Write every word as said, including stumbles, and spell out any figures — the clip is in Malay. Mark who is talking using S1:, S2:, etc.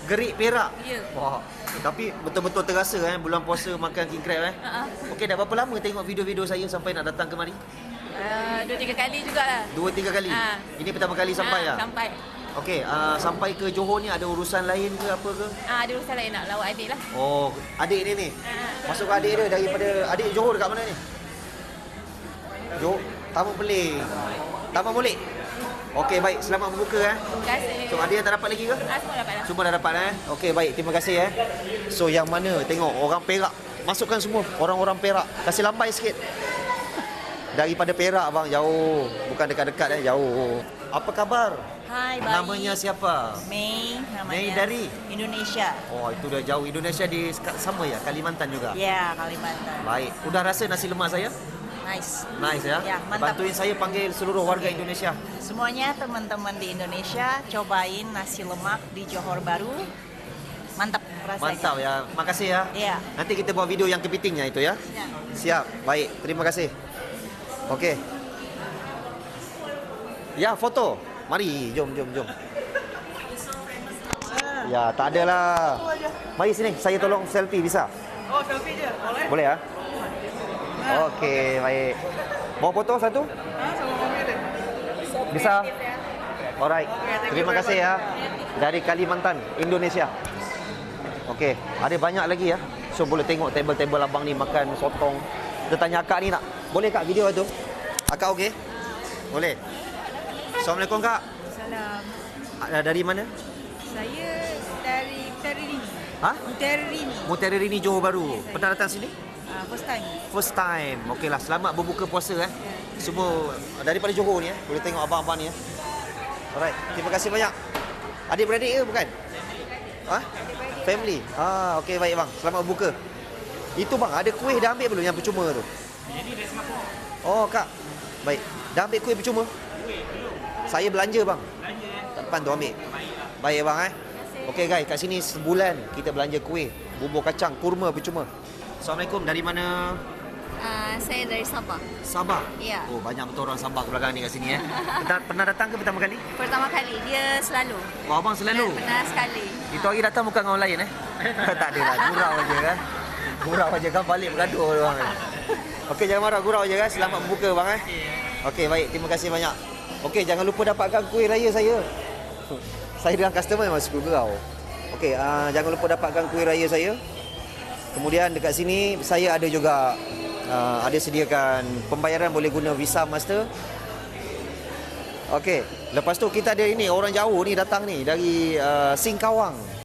S1: Gerik Perak.
S2: Ya.
S1: Wah, tapi betul-betul terasa eh bulan puasa makan king crab eh.
S2: Uh-huh.
S1: Okey, dah berapa lama tengok video-video saya sampai nak datang kemari?
S2: Uh, dua tiga kali jugalah.
S1: Dua tiga kali.
S2: Ha.
S1: Ini pertama kali sampai
S2: Ah,
S1: ah.
S2: Sampai.
S1: Okey, uh, sampai ke Johor ni ada urusan lain ke apa ke?
S2: Ah, ada urusan lain nak lawat adik lah.
S1: Oh, adik ni ni. Masuk adik dia daripada adik Johor dekat mana ni? Johor, Taman Pelik. Taman Molek. Okey, baik. Selamat berbuka eh.
S2: Terima kasih.
S1: So, ada yang tak dapat lagi ke?
S2: Ah, semua dapat lah.
S1: Semua dah dapat eh. Okey, baik. Terima kasih eh. So, yang mana tengok orang Perak. Masukkan semua orang-orang Perak. Kasih lambai sikit. Daripada Perak bang, jauh. Bukan dekat-dekat eh, jauh. Apa khabar?
S3: Hai, baik.
S1: Namanya siapa?
S3: Mei namanya.
S1: Mei dari?
S3: Indonesia.
S1: Oh, itu dah jauh. Indonesia di sama ya, Kalimantan juga.
S3: Ya, Kalimantan.
S1: Baik. Udah rasa nasi lemak saya?
S3: Nice.
S1: Nice ya.
S3: Ya, mantap.
S1: Bantuin saya panggil seluruh warga Indonesia.
S3: Semuanya teman-teman di Indonesia cobain nasi lemak di Johor Bahru. Mantap rasanya.
S1: Mantap ya. Makasih ya.
S3: Iya.
S1: Nanti kita buat video yang kepitingnya itu ya.
S3: Ya.
S1: Siap. Baik. Terima kasih. Okey. Ya, foto. Mari, jom, jom, jom. Ya, tak adalah. Mari sini, saya tolong selfie bisa?
S4: Oh, selfie je. Boleh?
S1: Boleh ya? Okey, baik. Mau foto satu?
S4: Ha, sama mami ada.
S1: Bisa? Alright. Terima kasih ya. Dari Kalimantan, Indonesia. Okey, ada banyak lagi ya. So boleh tengok table-table abang ni makan sotong. Kita tanya akak ni nak. Boleh kak video tu? Akak okey? Boleh. Assalamualaikum kak.
S5: Salam.
S1: Ah, dari mana?
S5: Saya dari Mutiara
S1: Ha?
S5: Mutiara Rini.
S1: Mutiara Rini Johor Bahru. Pernah datang sini?
S5: Uh, first time.
S1: First time. Okeylah, selamat berbuka puasa eh. Semua daripada Johor ni eh. Boleh tengok abang-abang ni eh. Alright, terima kasih banyak. Adik-beradik ke bukan? Ha? Family. Ah, okey baik bang. Selamat berbuka. Itu bang, ada kuih dah ambil belum yang percuma tu? Oh, kak. Baik. Dah ambil kuih percuma? Saya belanja bang. Depan tu ambil. Baik bang eh. Okey guys, kat sini sebulan kita belanja kuih, bubur kacang, kurma percuma. Assalamualaikum, dari mana?
S6: Uh, saya dari Sabah.
S1: Sabah?
S6: Ya.
S1: Oh, banyak betul orang Sabah ke belakang ni kat sini eh. Pernah, pernah datang ke pertama kali?
S6: Pertama kali, dia selalu.
S1: Oh, abang selalu?
S6: Pernah sekali.
S1: Itu hari datang bukan dengan orang lain eh? Tak adalah, gurau aja kan. Gurau aja kan, balik bergaduh orang. Okey, jangan marah, gurau aja kan. Selamat berbuka bang eh. Okey, baik. Terima kasih banyak. Okey, jangan lupa dapatkan kuih raya saya. Saya dengan customer memang suka gurau. Okey, uh, jangan lupa dapatkan kuih raya saya. Kemudian dekat sini saya ada juga uh, ada sediakan pembayaran boleh guna Visa Master. Okey, lepas tu kita ada ini orang jauh ni datang ni dari uh, Singkawang.